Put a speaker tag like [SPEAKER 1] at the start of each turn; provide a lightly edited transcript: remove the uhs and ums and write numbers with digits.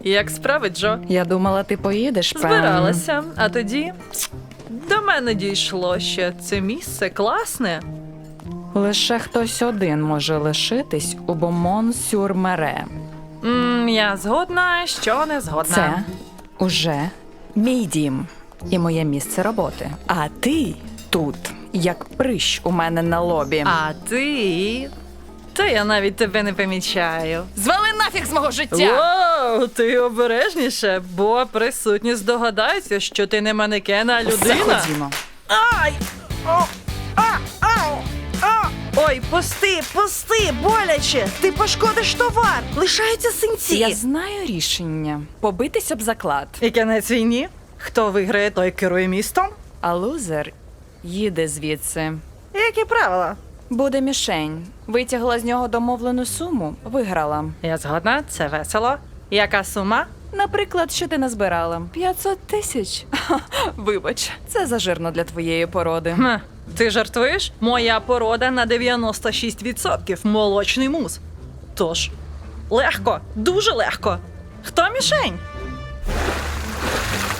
[SPEAKER 1] Як справи, Джо?
[SPEAKER 2] Я думала, ти поїдеш, певно.
[SPEAKER 1] Збиралася, а тоді до мене дійшло, що це місце класне.
[SPEAKER 2] Лише хтось один може лишитись у Бомон-сюр-Мере.
[SPEAKER 1] Я згодна, що не згодна.
[SPEAKER 2] Це уже мій дім і моє місце роботи. А ти тут, як прищ у мене на лобі.
[SPEAKER 1] А ти? Та я навіть тебе не помічаю.
[SPEAKER 2] Звали нафіг з мого життя!
[SPEAKER 1] Воу, ти обережніше, бо присутні здогадаються, що ти не манекен, а
[SPEAKER 2] Все,
[SPEAKER 1] людина.
[SPEAKER 2] ходімо.
[SPEAKER 1] Ай! О! Ау! Ой, пусти, боляче! Ти пошкодиш товар! Лишаються синці!
[SPEAKER 2] Я знаю рішення. Побитись об заклад.
[SPEAKER 1] І кінець війні? Хто виграє, той керує містом?
[SPEAKER 2] А лузер їде звідси.
[SPEAKER 1] Які правила?
[SPEAKER 2] Буде мішень. Витягла з нього домовлену суму, виграла.
[SPEAKER 1] Я згодна, це весело. Яка сума?
[SPEAKER 2] Наприклад, що ти назбирала? 500 тисяч. Вибач, це зажирно для твоєї породи.
[SPEAKER 1] Ти жартуєш? Моя порода на 96% молочний мус. Тож, легко, дуже легко. Хто мішень?